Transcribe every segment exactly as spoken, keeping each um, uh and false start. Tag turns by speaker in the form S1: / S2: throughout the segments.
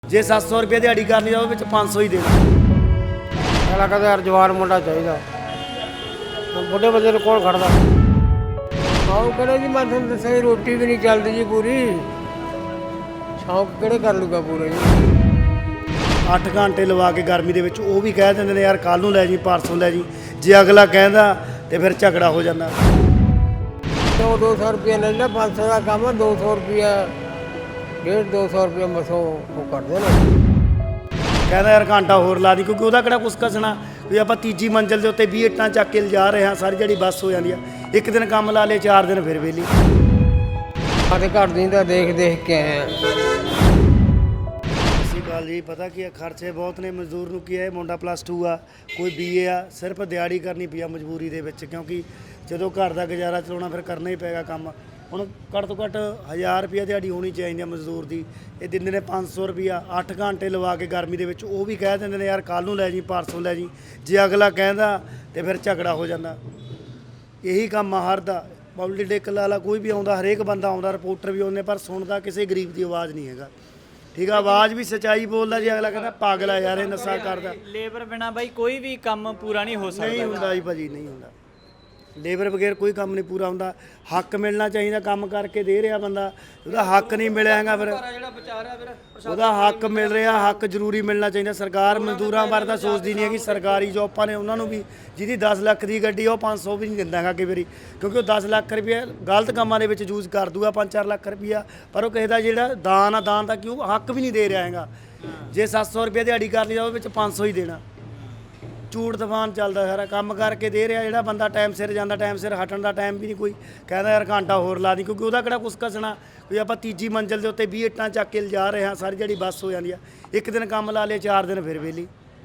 S1: ਜੇ ਸੱਤ ਸੌ ਰੁਪਏ ਦਿਹਾੜੀ ਕਰਨੀ ਜਾਵੇ ਵਿੱਚ ਪੰਜ ਸੌ ਹੀ ਦੇਣਾ।
S2: ਅਗਲਾ ਕਹਿੰਦਾ ਯਾਰ ਜਵਾਨ ਮੁੰਡਾ ਚਾਹੀਦਾ, ਬੁੱਢੇ ਬੰਦੇ ਨੂੰ ਕੌਣ ਖੜਦਾ। ਸ਼ੌਂਕ ਕਿਹੜੇ ਜੀ, ਮੈਂ ਤੁਹਾਨੂੰ ਦੱਸਿਆ ਜੀ, ਰੋਟੀ ਵੀ ਨਹੀਂ ਚੱਲਦੀ ਜੀ ਪੂਰੀ। ਸ਼ੌਂਕ ਕਿਹੜੇ ਕਰ ਲੂਗਾ ਪੂਰੇ ਜੀ।
S1: ਅੱਠ ਘੰਟੇ ਲਵਾ ਕੇ ਗਰਮੀ ਦੇ ਵਿੱਚ ਉਹ ਵੀ ਕਹਿ ਦਿੰਦੇ ਨੇ ਯਾਰ ਕੱਲ੍ਹ ਨੂੰ ਲੈ ਜੀ, ਪਰਸੋਂ ਲੈ ਜੀ। ਜੇ ਅਗਲਾ ਕਹਿੰਦਾ ਤੇ ਫਿਰ ਝਗੜਾ ਹੋ ਜਾਂਦਾ।
S2: ਦੋ ਦੋ ਸੌ ਰੁਪਇਆ ਲੈ ਲੈ, ਪੰਜ ਸੌ ਦਾ ਕੰਮ ਆ, ਦੋ ਸੌ ਰੁਪਇਆ ਡੇਢ ਦੋ ਸੌ ਰੁਪਇਆ ਮਸੋਂ ਉਹ ਕਰਦੇ ਨੇ।
S1: ਕਹਿੰਦਾ ਯਾਰ ਘੰਟਾ ਹੋਰ ਲਾ ਦੀ, ਕਿਉਂਕਿ ਉਹਦਾ ਕਿਹੜਾ ਕੁਛ ਕਸਣਾ ਵੀ ਆਪਾਂ ਤੀਜੀ ਮੰਜ਼ਿਲ ਦੇ ਉੱਤੇ ਵੀਹ ਇੱਟਾਂ ਚੱਕ ਕੇ ਲਿਜਾ ਰਹੇ ਹਾਂ, ਸਾਰੀ ਜਿਹੜੀ ਬੱਸ ਹੋ ਜਾਂਦੀ ਆ। ਇੱਕ ਦਿਨ ਕੰਮ ਲਾ ਲਏ, ਚਾਰ ਦਿਨ ਫਿਰ ਵਿਹਲੀ।
S2: ਸਾਡੇ ਘਰ ਦੀ ਤਾਂ ਦੇਖ ਦੇਖ ਕੇ ਆਏ ਆ।
S1: ਅਸੀਂ ਗੱਲ ਜੀ ਪਤਾ ਕੀ ਹੈ, ਖਰਚੇ ਬਹੁਤ ਨੇ। ਮਜ਼ਦੂਰ ਨੂੰ ਕੀ ਹੈ, ਮੁੰਡਾ ਪਲੱਸ ਟੂ ਆ, ਕੋਈ ਬੀ ਏ ਆ, ਸਿਰਫ ਦਿਹਾੜੀ ਕਰਨੀ ਪਈ ਆ ਮਜਬੂਰੀ ਦੇ ਵਿੱਚ, ਕਿਉਂਕਿ ਜਦੋਂ ਘਰ ਦਾ ਗੁਜ਼ਾਰਾ ਚਲਾਉਣਾ ਫਿਰ ਕਰਨਾ ਹੀ ਪਏਗਾ ਕੰਮ। ਹੁਣ ਘੱਟ ਤੋਂ ਘੱਟ ਹਜ਼ਾਰ ਰੁਪਈਆ ਦਿਹਾੜੀ ਹੋਣੀ ਚਾਹੀਦੀ ਆ ਮਜ਼ਦੂਰ ਦੀ। ਇਹ ਦਿੰਦੇ ਨੇ ਪੰਜ ਸੌ ਰੁਪਈਆ, ਅੱਠ ਘੰਟੇ ਲਵਾ ਕੇ ਗਰਮੀ ਦੇ ਵਿੱਚ ਉਹ ਵੀ ਕਹਿ ਦਿੰਦੇ ਨੇ ਯਾਰ ਕੱਲ੍ਹ ਨੂੰ ਲੈ ਜੀ, ਪਰਸੋਂ ਲੈ ਜੀ। ਜੇ ਅਗਲਾ ਕਹਿੰਦਾ ਤੇ ਫਿਰ ਝਗੜਾ ਹੋ ਜਾਂਦਾ। ਇਹੀ ਕੰਮ ਆ ਹਰ ਦਾ। ਪੋਲੀਟੀਕਲ ਵਾਲਾ ਕੋਈ ਵੀ ਆਉਂਦਾ, ਹਰੇਕ ਬੰਦਾ ਆਉਂਦਾ, ਰਿਪੋਰਟਰ ਵੀ ਆਉਂਦੇ, ਪਰ ਸੁਣਦਾ ਕਿਸੇ ਗਰੀਬ ਦੀ ਆਵਾਜ਼ ਨਹੀਂ ਹੈਗਾ। ਠੀਕ ਆ, ਆਵਾਜ਼ ਵੀ ਸੱਚਾਈ ਬੋਲਦਾ ਜੀ। ਅਗਲਾ ਕਹਿੰਦਾ ਪਾਗਲ ਆ ਯਾਰ, ਇਹ ਨਸ਼ਾ ਕਰਦਾ।
S3: ਲੇਬਰ ਬਿਨਾ ਬਾਈ ਕੋਈ ਵੀ ਕੰਮ ਪੂਰਾ ਨਹੀਂ ਹੋ ਸਕਦਾ।
S1: ਨਹੀਂ ਹੁੰਦਾ ਜੀ ਭਾਜੀ, ਨਹੀਂ ਹੁੰਦਾ। ਲੇਬਰ ਬਗੈਰ ਕੋਈ ਕੰਮ ਨਹੀਂ ਪੂਰਾ ਹੁੰਦਾ। ਹੱਕ ਮਿਲਣਾ ਚਾਹੀਦਾ, ਕੰਮ ਕਰਕੇ ਦੇ ਰਿਹਾ ਬੰਦਾ, ਉਹਦਾ ਹੱਕ ਨਹੀਂ ਮਿਲਿਆ ਹੈਗਾ, ਫਿਰ ਉਹਦਾ ਹੱਕ ਮਿਲ ਰਿਹਾ, ਹੱਕ ਜ਼ਰੂਰੀ ਮਿਲਣਾ ਚਾਹੀਦਾ। ਸਰਕਾਰ ਮਜ਼ਦੂਰਾਂ ਬਾਰੇ ਤਾਂ ਸੋਚਦੀ ਨਹੀਂ ਹੈਗੀ। ਸਰਕਾਰੀ ਜੋਬਾਂ ਨੇ ਉਹਨਾਂ ਨੂੰ ਵੀ, ਜਿਹਦੀ ਦਸ ਲੱਖ ਦੀ ਗੱਡੀ ਉਹ ਪੰਜ ਸੌ ਵੀ ਨਹੀਂ ਦਿੰਦਾ ਹੈਗਾ ਕਈ ਵਾਰੀ, ਕਿਉਂਕਿ ਉਹ ਦਸ ਲੱਖ ਰੁਪਏ ਗਲਤ ਕੰਮਾਂ ਦੇ ਵਿੱਚ ਯੂਜ਼ ਕਰ ਦੂਗਾ, ਪੰਜ ਚਾਰ ਲੱਖ ਰੁਪਈਆ। ਪਰ ਉਹ ਕਿਸੇ ਦਾ ਜਿਹੜਾ ਦਾਨ ਆ, ਦਾਨ ਦਾ ਕਿਉਂ ਹੱਕ ਵੀ ਨਹੀਂ ਦੇ ਰਿਹਾ ਹੈਗਾ। ਜੇ ਸੱਤ ਸੌ ਰੁਪਏ ਦਿਹਾੜੀ ਕਰਨੀ ਜਾਵੇ ਵਿੱਚ ਪੰਜ ਸੌ ਹੀ ਦੇਣਾ। ਝੂਠ ਤੂਫਾਨ ਚੱਲਦਾ ਸਾਰਾ। ਕੰਮ ਕਰਕੇ ਦੇ ਰਿਹਾ ਜਿਹੜਾ ਬੰਦਾ, ਟਾਈਮ ਸਿਰ ਜਾਂਦਾ, ਟਾਈਮ ਸਿਰ ਹਟਣ ਦਾ ਟਾਈਮ ਵੀ ਨਹੀਂ ਕੋਈ। ਕਹਿੰਦਾ ਯਾਰ ਘੰਟਾ ਹੋਰ ਲਾ ਦੀ, ਕਿਉਂਕਿ ਉਹਦਾ ਕਿਹੜਾ ਕੁਛ ਕਸਣਾ ਵੀ ਆਪਾਂ ਤੀਜੀ ਮੰਜ਼ਿਲ ਦੇ ਉੱਤੇ ਵੀਹ ਇੱਟਾਂ ਚੱਕ ਕੇ ਲਿਜਾ ਰਹੇ ਹਾਂ, ਸਾਰੀ ਜਿਹੜੀ ਬੱਸ ਹੋ ਜਾਂਦੀ ਆ। ਇੱਕ ਦਿਨ ਕੰਮ ਲਾ ਲਏ, ਚਾਰ ਦਿਨ ਫਿਰ ਵਿਹਲੀ।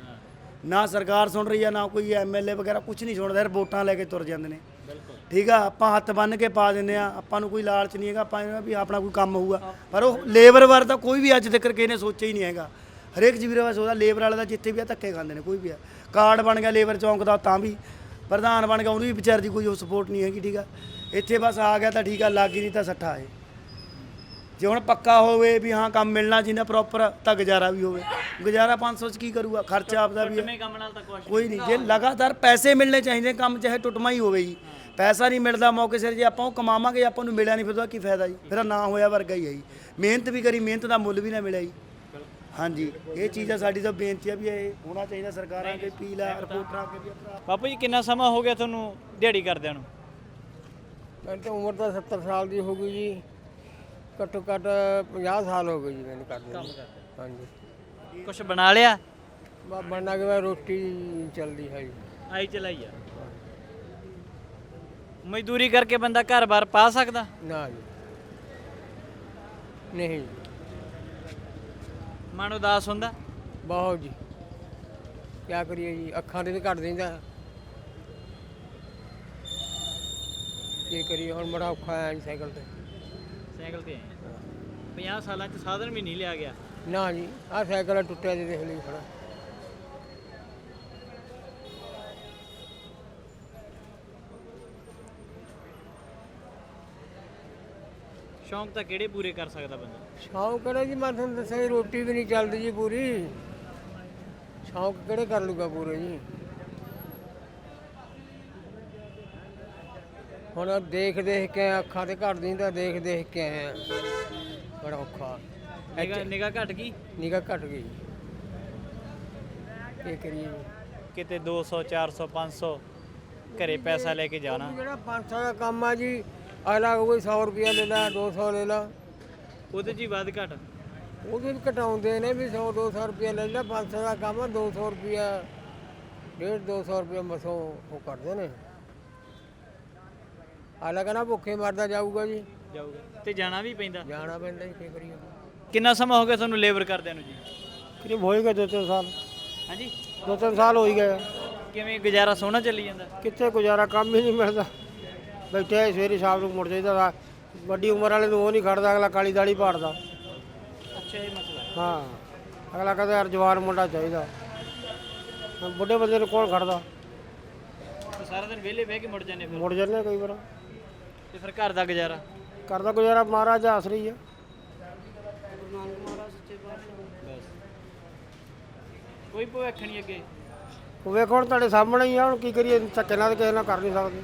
S1: ਨਾ ਸਰਕਾਰ ਸੁਣ ਰਹੀ ਆ, ਨਾ ਕੋਈ ਐਮ ਐਲ ਏ ਵਗੈਰਾ, ਕੁਛ ਨਹੀਂ ਸੁਣਦਾ। ਯਾਰ ਵੋਟਾਂ ਲੈ ਕੇ ਤੁਰ ਜਾਂਦੇ ਨੇ। ਠੀਕ ਆ, ਆਪਾਂ ਹੱਥ ਬੰਨ੍ਹ ਕੇ ਪਾ ਦਿੰਦੇ ਆ, ਆਪਾਂ ਨੂੰ ਕੋਈ ਲਾਲਚ ਨਹੀਂ ਹੈਗਾ। ਆਪਾਂ ਇਹ ਵੀ ਆਪਣਾ ਕੋਈ ਕੰਮ ਹੋਊਗਾ, ਪਰ ਉਹ ਲੇਬਰ ਬਾਰੇ ਤਾਂ ਕੋਈ ਵੀ ਅੱਜ ਤੱਕ ਕਿਸੇ ਨੇ ਸੋਚਿਆ ਹੀ ਨਹੀਂ ਹੈਗਾ। ਹਰੇਕ ਜੀਵੀਰਾ ਵਾਸ ਉਹਦਾ ਲੇਬਰ ਵਾਲੇ ਦਾ ਜਿੱਥੇ ਵੀ ਆ ਧੱਕੇ ਖਾਂਦੇ ਨੇ। ਕੋਈ ਵੀ ਆ ਕਾਰਡ ਬਣ ਗਿਆ ਲੇਬਰ ਚੌਂਕ ਦਾ, ਤਾਂ ਵੀ ਪ੍ਰਧਾਨ ਬਣ ਗਿਆ, ਉਹਨੂੰ ਵੀ ਵਿਚਾਰ ਦੀ ਕੋਈ ਉਹ ਸਪੋਰਟ ਨਹੀਂ ਹੈਗੀ। ਠੀਕ ਆ, ਇੱਥੇ ਬਸ ਆ ਗਿਆ ਤਾਂ ਠੀਕ ਆ, ਲੱਗ ਹੀ ਨਹੀਂ ਤਾਂ ਸੱਠਾ ਹੈ। ਜੇ ਹੁਣ ਪੱਕਾ ਹੋਵੇ ਵੀ ਹਾਂ ਕੰਮ ਮਿਲਣਾ ਚਾਹੀਦਾ ਪ੍ਰੋਪਰ, ਤਾਂ ਗੁਜ਼ਾਰਾ ਵੀ ਹੋਵੇ। ਗੁਜ਼ਾਰਾ ਪੰਜ ਸੌ 'ਚ ਕੀ ਕਰੂਗਾ, ਖਰਚਾ ਆਪਦਾ ਵੀ ਹੈ,
S3: ਕੰਮ ਨਾਲ ਤਾਂ ਕੁਛ
S1: ਕੋਈ ਨਹੀਂ। ਜੇ ਲਗਾਤਾਰ ਪੈਸੇ ਮਿਲਣੇ ਚਾਹੀਦੇ, ਕੰਮ ਚਾਹੇ ਟੁੱਟਮਾ ਹੀ ਹੋਵੇ ਜੀ। ਪੈਸਾ ਨਹੀਂ ਮਿਲਦਾ ਮੌਕੇ ਸਿਰ, ਜੇ ਆਪਾਂ ਉਹ ਕਮਾਵਾਂਗੇ, ਆਪਾਂ ਨੂੰ ਮਿਲਿਆ ਨਹੀਂ, ਫਿਰ ਉਹਦਾ ਕੀ ਫਾਇਦਾ ਜੀ। ਫਿਰ ਨਾ ਹੋਇਆ ਵਰਗਾ ਹੀ ਹੈ ਜੀ। ਮਿਹਨਤ ਵੀ ਕਰੀ, ਮਿਹਨਤ ਦਾ ਮੁੱਲ ਵੀ ਨਾ ਮਿਲਿਆ ਜੀ। ਹਾਂਜੀ, ਇਹ ਚੀਜ਼ ਆ ਸਾਡੀ ਤਾਂ ਬੇਨਤੀ ਆ ਵੀ ਇਹ ਹੋਣਾ ਚਾਹੀਦਾ ਸਰਕਾਰਾਂ ਅੱਗੇ, ਅਪੀਲ ਆ, ਰਿਪੋਰਟਰਾਂ ਅੱਗੇ ਵੀ।
S3: ਬਾਪੂ ਜੀ ਕਿੰਨਾ ਸਮਾਂ ਹੋ ਗਿਆ ਤੁਹਾਨੂੰ ਦਿਹਾੜੀ ਕਰਦਿਆਂ ਨੂੰ?
S2: ਮੈਨੂੰ ਤਾਂ ਉਮਰ ਤਾਂ ਸੱਤਰ ਸਾਲ ਦੀ ਹੋ ਗਈ ਜੀ, ਘੱਟੋ ਘੱਟ ਪੰਜਾਹ ਸਾਲ ਹੋ ਗਏ ਜੀ ਮੈਨੂੰ ਕਰਦੇ ਨੂੰ। ਹਾਂਜੀ,
S3: ਕੁਛ ਬਣਾ ਲਿਆ?
S2: ਬਾ ਬਣਨਾ ਕਿ ਰੋਟੀ ਚੱਲਦੀ ਹੈ ਜੀ।
S3: ਆਈ ਚਲਾਈ ਆ। ਮਜ਼ਦੂਰੀ ਕਰਕੇ ਬੰਦਾ ਘਰ-ਬਾਰ ਪਾ ਸਕਦਾ?
S2: ਨਾ ਜੀ, ਨਹੀਂ।
S3: ਮਨ ਉਦਾਸ ਹੁੰਦਾ?
S2: ਬਹੁਤ ਜੀ, ਕਿਆ ਕਰੀਏ ਜੀ, ਅੱਖਾਂ ਦੇ ਵੀ ਘੱਟ ਦਿੰਦਾ। ਕੀ ਕਰੀਏ ਹੁਣ, ਬੜਾ ਔਖਾ ਆਇਆ ਜੀ ਸਾਈਕਲ ਤੇ।
S3: ਸਾਈਕਲ ਤੇ ਆਏ ਪੰਜਾਹ ਸਾਲਾਂ 'ਚ ਸਾਧਨ ਵੀ ਨਹੀਂ ਲਿਆ ਗਿਆ?
S2: ਨਾ ਜੀ, ਆਹ ਸਾਈਕਲ ਟੁੱਟਿਆ ਜੀ, ਦੇਖ ਲਈ ਖੜਾ।
S3: ਸ਼ੌਂਕ ਤਾਂ ਕਿਹੜੇ ਪੂਰੇ ਕਰ ਸਕਦਾ ਬੰਦਾ?
S2: ਸ਼ੌਂਕ ਕਿਹੜਾ ਜੀ, ਮੈਂ ਤੁਹਾਨੂੰ ਦੱਸਿਆ ਜੀ, ਰੋਟੀ ਵੀ ਨਹੀਂ ਚੱਲਦੀ ਜੀ ਪੂਰੀ। ਸ਼ੌਂਕ ਕਿਹੜੇ ਕਰ ਲੂਗਾ ਪੂਰੇ ਜੀ। ਹੁਣ ਦੇਖ ਦੇਖ ਕੇ ਅੱਖਾਂ ਤੇ ਘੱਟ ਦਿੰਦਾ, ਦੇਖ ਦੇਖ ਕੇ ਆਏ ਆ, ਬੜਾ ਔਖਾ।
S3: ਨਿਗਾਹ ਨਿਗਾਹ ਘਟ ਗਈ?
S2: ਨਿਗਾਹ ਘੱਟ ਗਈ, ਕੀ ਕਰੀਏ ਜੀ।
S3: ਕਿਤੇ ਦੋ ਸੌ ਚਾਰ ਸੌ ਪੰਜ ਸੌ ਘਰੇ ਪੈਸਾ ਲੈ ਕੇ ਜਾਣਾ।
S2: ਜਿਹੜਾ ਪੰਜ ਸੌ ਦਾ ਕੰਮ ਆ ਜੀ, ਅਗਲਾ ਕੋਈ ਸੌ ਰੁਪਇਆ ਲੈ ਲਾ, ਦੋ ਸੌ ਲੈ ਲਾ,
S3: ਉਹਦੇ 'ਚ ਹੀ ਵੱਧ ਘਟ।
S2: ਉਹਦੇ ਵੀ ਘਟਾਉਂਦੇ ਨੇ ਵੀ ਸੌ ਦੋ ਸੌ ਰੁਪਇਆ ਲੈ ਲਾ। ਪੰਜ ਸੌ ਦਾ ਕੰਮ ਆ, ਦੋ ਸੌ ਰੁਪਇਆ ਡੇਢ ਦੋ ਸੌ ਰੁਪਇਆ ਮਸੋਂ ਉਹ ਕਰਦੇ ਨੇ। ਅਗਲਾ ਕਹਿੰਦਾ ਭੁੱਖੇ ਮਰਦਾ ਜਾਊਗਾ ਜੀ।
S3: ਜਾਊਗਾ ਤੇ ਜਾਣਾ ਵੀ ਪੈਂਦਾ।
S2: ਜਾਣਾ ਪੈਂਦਾ ਜੀ, ਕੀ ਕਰੀਏ।
S3: ਕਿੰਨਾ ਸਮਾਂ ਹੋ ਗਿਆ ਤੁਹਾਨੂੰ ਲੇਬਰ ਕਰਦਿਆਂ ਨੂੰ ਜੀ?
S2: ਕਰੀਬ ਹੋ ਹੀ ਗਏ ਦੋ ਤਿੰਨ ਸਾਲ।
S3: ਹਾਂਜੀ,
S2: ਦੋ ਤਿੰਨ ਸਾਲ ਹੋ ਹੀ ਗਏ।
S3: ਕਿਵੇਂ ਗੁਜ਼ਾਰਾ ਸੋਹਣਾ ਚੱਲੀ ਜਾਂਦਾ?
S2: ਕਿੱਥੇ ਗੁਜ਼ਾਰਾ, ਕੰਮ ਹੀ ਨਹੀਂ ਮਿਲਦਾ। ਬੈਠੇ ਸਵੇਰੇ ਸ਼ਾਮ ਨੂੰ ਮੁੜ ਜਾਈਦਾ। ਵੱਡੀ ਉਮਰ ਵਾਲੇ ਨੂੰ ਉਹ ਨਹੀਂ ਖੜਦਾ, ਅਗਲਾ ਕਾਲੀ ਦਾੜੀ ਪਾੜਦਾ।
S3: ਅੱਛਾ, ਇਹ ਮਸਲਾ ਹੈ।
S2: ਹਾਂ, ਅਗਲਾ ਕਹਿੰਦਾ ਯਾਰ ਜਵਾਨ ਮੁੰਡਾ ਚਾਹੀਦਾ, ਬੁੱਢੇ ਬੰਦੇ ਨੂੰ ਕੌਣ ਖੜਦਾ।
S3: ਸਾਰਾ ਦਿਨ ਵਿਹਲੇ ਬਹਿ ਕੇ ਮੁੜ ਜਾਂਦੇ ਫਿਰ?
S2: ਮੁੜ ਜਾਂਦੇ ਕਈ ਵਾਰ।
S3: ਤੇ ਫਿਰ ਘਰ ਦਾ ਗੁਜ਼ਾਰਾ?
S2: ਕਰਦਾ ਗੁਜ਼ਾਰਾ ਮਹਾਰਾਜ ਆਸਰੀ ਆ।
S3: ਬਸ ਕੋਈ ਭਵਿੱਖ ਨਹੀਂ ਅੱਗੇ
S2: ਉਹ ਵੇਖੋ ਹੁਣ ਤੁਹਾਡੇ ਸਾਹਮਣੇ ਹੀ ਆ, ਹੁਣ ਕੀ ਕਰੀਏ, ਧੱਕੇ ਨਾਲ ਤਾਂ ਕਿਸੇ ਨਾਲ ਕਰ ਨਹੀਂ ਸਕਦੇ।